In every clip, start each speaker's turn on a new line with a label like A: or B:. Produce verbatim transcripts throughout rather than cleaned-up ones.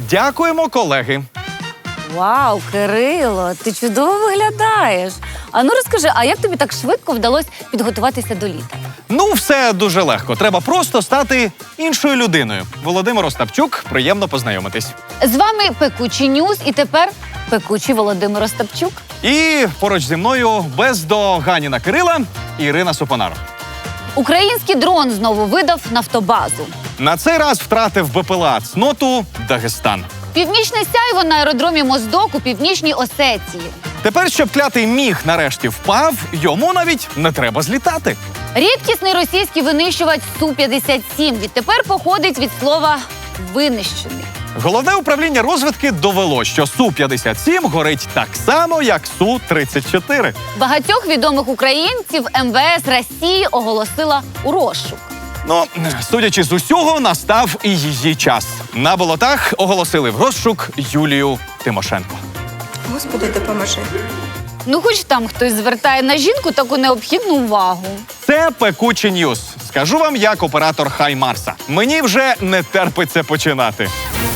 A: Дякуємо, колеги.
B: Вау, Кирило, ти чудово виглядаєш. А ну розкажи, а як тобі так швидко вдалося підготуватися до літа?
A: Ну, все дуже легко. Треба просто стати іншою людиною. Володимир Остапчук, приємно познайомитись.
B: З вами Пекучі Ньюс і тепер Пекучий Володимир Остапчук.
A: І поруч зі мною бездоганіна Кирила Ірина Супонар.
B: Український дрон знову видав нафтобазу.
A: На цей раз втратив БПЛА цноту Дагестан.
B: Північне сяйво на аеродромі Моздок у Північній Осетії.
A: Тепер, щоб клятий міг нарешті впав, йому навіть не треба злітати.
B: Рідкісний російський винищувач Су п'ятдесят сім відтепер походить від слова «винищений».
A: Головне управління розвідки довело, що Су п'ятдесят сім горить так само, як Су тридцять чотири.
B: Багатьох відомих українців ем ве ес Росії оголосила у розшук.
A: Ну, судячи з усього, настав і її час. На болотах оголосили в розшук Юлію Тимошенко.
C: Господи, допоможи.
B: Ну, хоч там хтось звертає на жінку таку необхідну увагу.
A: Це Пекучі Ньюс. Скажу вам, як оператор Хай Марса. Мені вже не терпиться починати.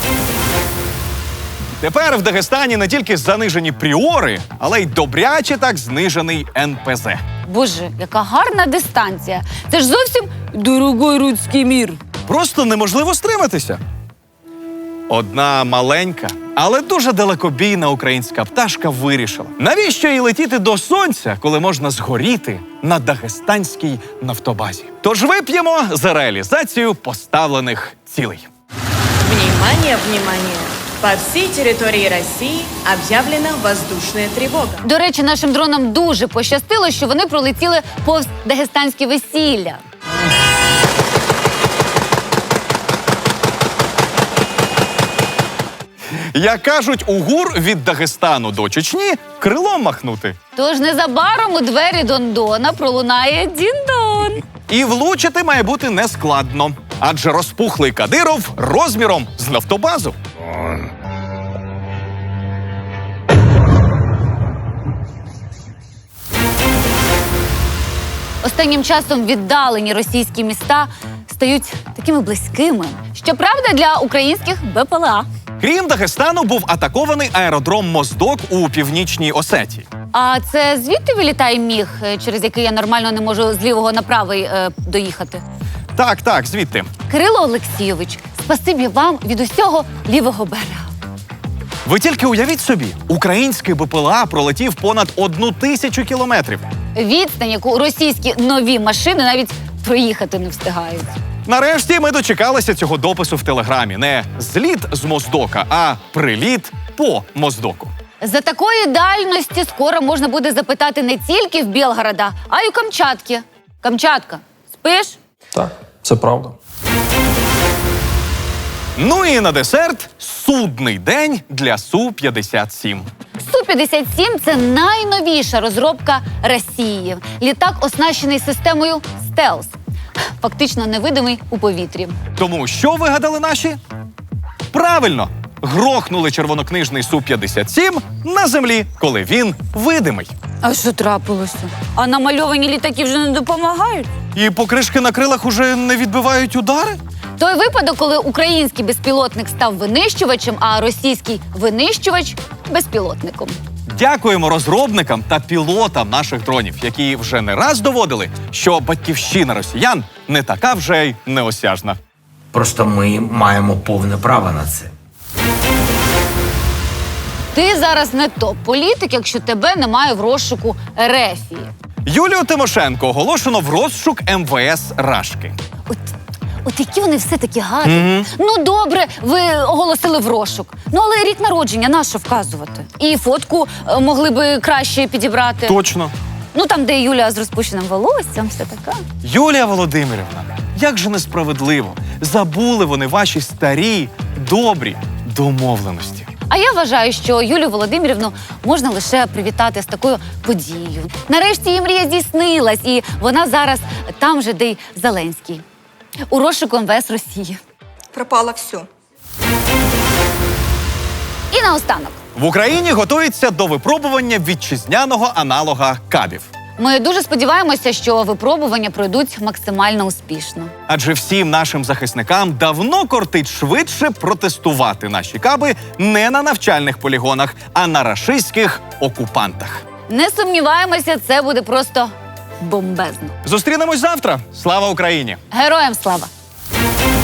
A: Тепер в Дагестані не тільки занижені пріори, але й добряче так знижений ен пе зе.
B: Боже, яка гарна дистанція. Це ж зовсім дорогой руський мір.
A: Просто неможливо стриматися. Одна маленька, але дуже далекобійна українська пташка вирішила, навіщо їй летіти до сонця, коли можна згоріти на дагестанській нафтобазі. Тож вип'ємо за реалізацію поставлених цілей.
D: Внимание, внимание! По всей территории России объявлена воздушная тревога.
B: До речі, нашим дронам дуже пощастило, що вони пролетіли повз дагестанське весілля.
A: Як кажуть, у ГУР від Дагестану до Чечні крилом махнути.
B: Тож незабаром у двері Дондона пролунає дін-дон.
A: І влучити має бути нескладно, адже розпухлий Кадиров розміром з нафтобазу.
B: Останнім часом віддалені російські міста стають такими близькими. Щоправда, для українських бе пе ел а.
A: Крім Дагестану, був атакований аеродром Моздок у Північній Осетії.
B: А це звідти вилітає міг, через який я нормально не можу з лівого на правий е, доїхати?
A: Так, так, звідти.
B: Кирило Олексійович, спасибі вам від усього лівого берега.
A: Ви тільки уявіть собі, український бе пе ел а пролетів понад одну тисячу кілометрів.
B: Відстань, яку російські нові машини навіть проїхати не встигають.
A: Нарешті ми дочекалися цього допису в Телеграмі. Не зліт з Моздока, а приліт по Моздоку.
B: За такої дальності скоро можна буде запитати не тільки в Білгорода, а й у Камчатки. Камчатка, спиш?
E: Так, це правда.
A: Ну і на десерт судний день для Су п'ятдесят сім.
B: Су п'ятдесят сім – це найновіша розробка Росії. Літак оснащений системою стелс. Фактично невидимий у повітрі.
A: Тому що вигадали наші? Правильно, грохнули червонокнижний Су п'ятдесят сім на землі, коли він видимий.
B: А що трапилося? А намальовані літаки вже не допомагають?
A: І покришки на крилах уже не відбивають удари?
B: Той випадок, коли український безпілотник став винищувачем, а російський винищувач – безпілотником.
A: Дякуємо розробникам та пілотам наших дронів, які вже не раз доводили, що батьківщина росіян не така вже й неосяжна.
F: Просто ми маємо повне право на це.
B: Ти зараз не топ-політик, якщо тебе немає в розшуку Ерефії.
A: Юлію Тимошенко оголошено в розшук ем ве ес Рашки.
B: От, от які вони все-таки гарні. Mm-hmm. Ну, добре, ви оголосили в розшук. Ну, але рік народження нащо вказувати? І фотку е, могли би краще підібрати.
A: Точно.
B: Ну, там, де Юля з розпущеним волоссям, все таке.
A: Юлія Володимирівна, як же несправедливо. Забули вони ваші старі, добрі домовленості.
B: А я вважаю, що Юлію Володимирівну можна лише привітати з такою подією. Нарешті її мрія здійснилась, і вона зараз там же, де й Зеленський. У розшуку ем ве ес Росії.
C: Пропало все.
B: І наостанок.
A: В Україні готується до випробування вітчизняного аналога кабів.
B: Ми дуже сподіваємося, що випробування пройдуть максимально успішно.
A: Адже всім нашим захисникам давно кортить швидше протестувати наші каби не на навчальних полігонах, а на рашистських окупантах.
B: Не сумніваємося, це буде просто бомбезно.
A: Зустрінемось завтра. Слава Україні!
B: Героям слава!